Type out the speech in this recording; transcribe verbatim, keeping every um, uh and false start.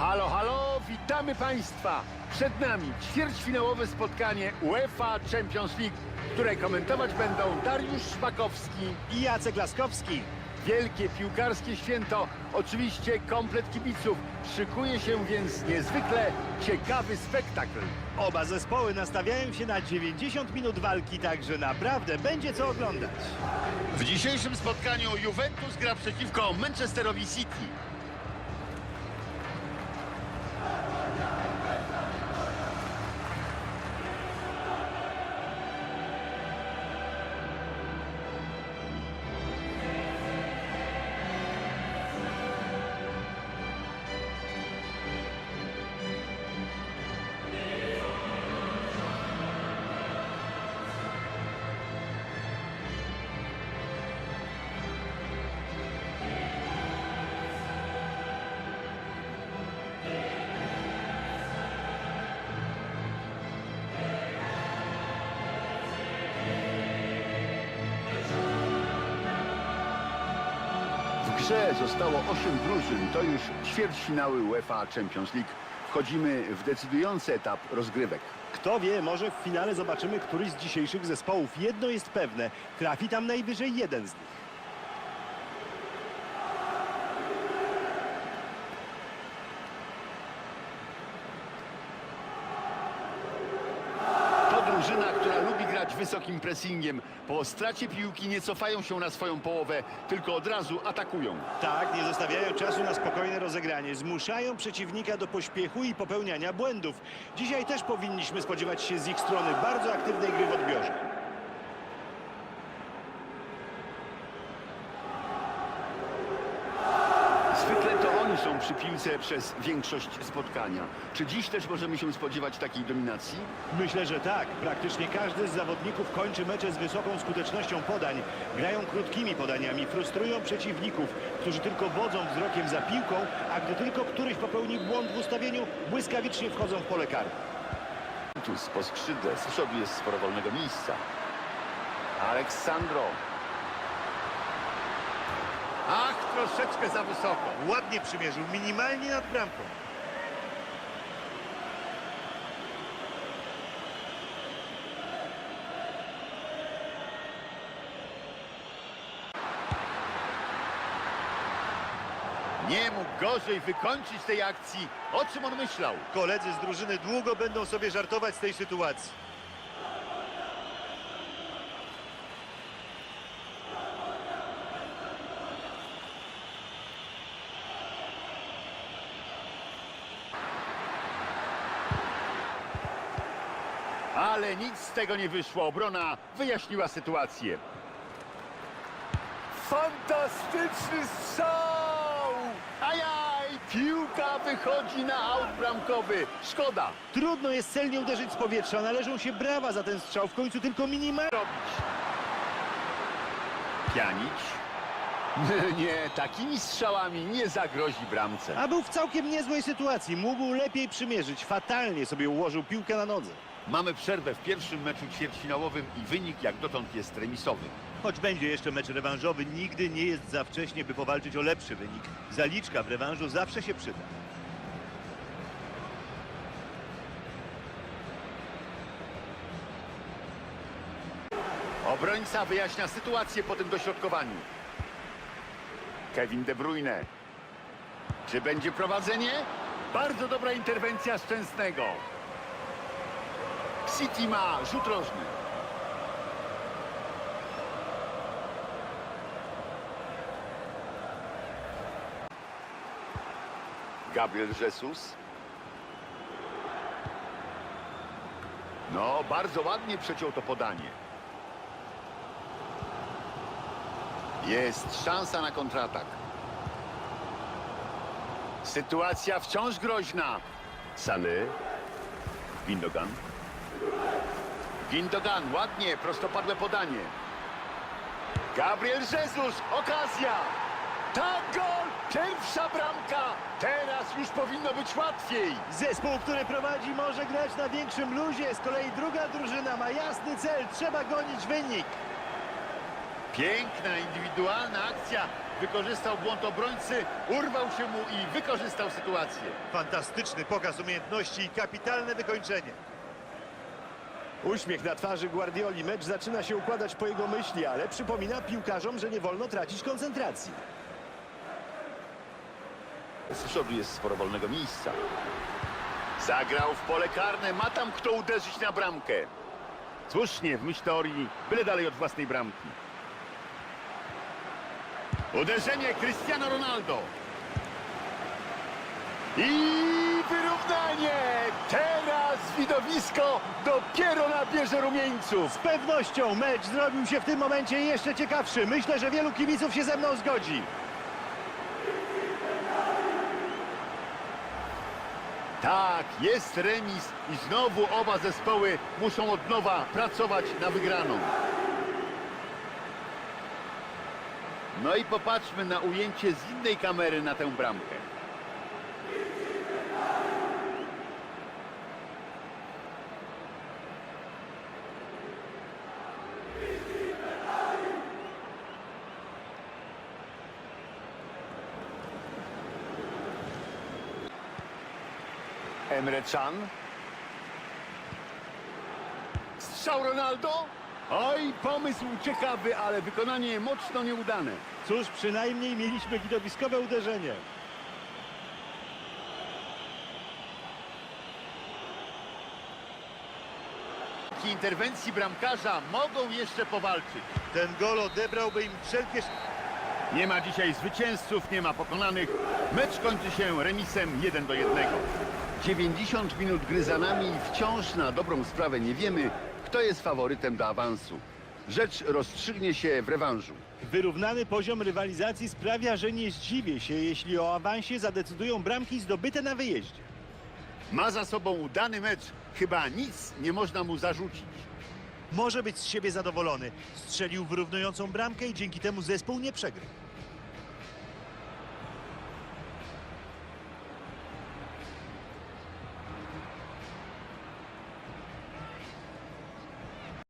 Halo, halo, witamy Państwa! Przed nami ćwierćfinałowe spotkanie UEFA Champions League, które komentować będą Dariusz Szpakowski i Jacek Laskowski. Wielkie piłkarskie święto, oczywiście komplet kibiców. Szykuje się więc niezwykle ciekawy spektakl. Oba zespoły nastawiają się na dziewięćdziesiąt minut walki, także naprawdę będzie co oglądać. W dzisiejszym spotkaniu Juventus gra przeciwko Manchesterowi City. W grze zostało osiem drużyn, to już ćwierćfinały UEFA Champions League. Wchodzimy w decydujący etap rozgrywek. Kto wie, może w finale zobaczymy któryś z dzisiejszych zespołów. Jedno jest pewne, trafi tam najwyżej jeden z nich. Drużyna, która lubi grać wysokim pressingiem. Po stracie piłki nie cofają się na swoją połowę, tylko od razu atakują. Tak, nie zostawiają czasu na spokojne rozegranie. Zmuszają przeciwnika do pośpiechu i popełniania błędów. Dzisiaj też powinniśmy spodziewać się z ich strony bardzo aktywnej gry w odbiorze. Zwykle to oni są przy piłce przez większość spotkania. Czy dziś też możemy się spodziewać takiej dominacji? Myślę, że tak. Praktycznie każdy z zawodników kończy mecze z wysoką skutecznością podań. Grają krótkimi podaniami, frustrują przeciwników, którzy tylko wodzą wzrokiem za piłką, a gdy tylko któryś popełni błąd w ustawieniu, błyskawicznie wchodzą w pole karne. Tu po skrzydle z przodu jest sporo wolnego miejsca. Aleksandro. Ach, troszeczkę za wysoko. Ładnie przymierzył, minimalnie nad bramką. Nie mógł gorzej wykończyć tej akcji. O czym on myślał? Koledzy z drużyny długo będą sobie żartować z tej sytuacji. Ale nic z tego nie wyszło. Obrona wyjaśniła sytuację. Fantastyczny strzał! Ajaj! Piłka wychodzi na aut bramkowy. Szkoda. Trudno jest celnie uderzyć z powietrza. Należą się brawa za ten strzał. W końcu tylko minimalnie. Pjanić. Nie, takimi strzałami nie zagrozi bramce. A był w całkiem niezłej sytuacji. Mógł lepiej przymierzyć. Fatalnie sobie ułożył piłkę na nodze. Mamy przerwę w pierwszym meczu ćwierćfinałowym i wynik jak dotąd jest remisowy. Choć będzie jeszcze mecz rewanżowy, nigdy nie jest za wcześnie, by powalczyć o lepszy wynik. Zaliczka w rewanżu zawsze się przyda. Obrońca wyjaśnia sytuację po tym dośrodkowaniu. Kevin De Bruyne. Czy będzie prowadzenie? Bardzo dobra interwencja Szczęsnego. City ma rzut rożny. Gabriel Jesus. No, bardzo ładnie przeciął to podanie. Jest szansa na kontratak. Sytuacja wciąż groźna. Sany. Gundogan. Gundogan, ładnie, prostopadłe podanie. Gabriel Jesus, okazja. Tak, gol! Pierwsza bramka! Teraz już powinno być łatwiej. Zespół, który prowadzi, może grać na większym luzie. Z kolei druga drużyna ma jasny cel. Trzeba gonić wynik. Piękna, indywidualna akcja. Wykorzystał błąd obrońcy, urwał się mu i wykorzystał sytuację. Fantastyczny pokaz umiejętności i kapitalne wykończenie. Uśmiech na twarzy Guardioli. Mecz zaczyna się układać po jego myśli, ale przypomina piłkarzom, że nie wolno tracić koncentracji. Z przodu jest sporo wolnego miejsca. Zagrał w pole karne, ma tam kto uderzyć na bramkę. Słusznie, w myśl teorii, byle dalej od własnej bramki. Uderzenie Cristiano Ronaldo. I wyrównanie! Teraz widowisko dopiero nabierze rumieńców. Z pewnością mecz zrobił się w tym momencie jeszcze ciekawszy. Myślę, że wielu kibiców się ze mną zgodzi. Tak, jest remis i znowu oba zespoły muszą od nowa pracować na wygraną. No i popatrzmy na ujęcie z innej kamery na tę bramkę. Emre Can. Strzał Ronaldo? Oj, pomysł ciekawy, ale wykonanie mocno nieudane. Cóż, przynajmniej mieliśmy widowiskowe uderzenie. Dzięki interwencji bramkarza mogą jeszcze powalczyć. Ten gol odebrałby im wszelkie... Nie ma dzisiaj zwycięzców, nie ma pokonanych. Mecz kończy się remisem jeden do jednego. dziewięćdziesiąt minut gry za nami i wciąż na dobrą sprawę nie wiemy, kto jest faworytem do awansu. Rzecz rozstrzygnie się w rewanżu. Wyrównany poziom rywalizacji sprawia, że nie zdziwię się, jeśli o awansie zadecydują bramki zdobyte na wyjeździe. Ma za sobą udany mecz. Chyba nic nie można mu zarzucić. Może być z siebie zadowolony. Strzelił wyrównującą bramkę i dzięki temu zespół nie przegrał.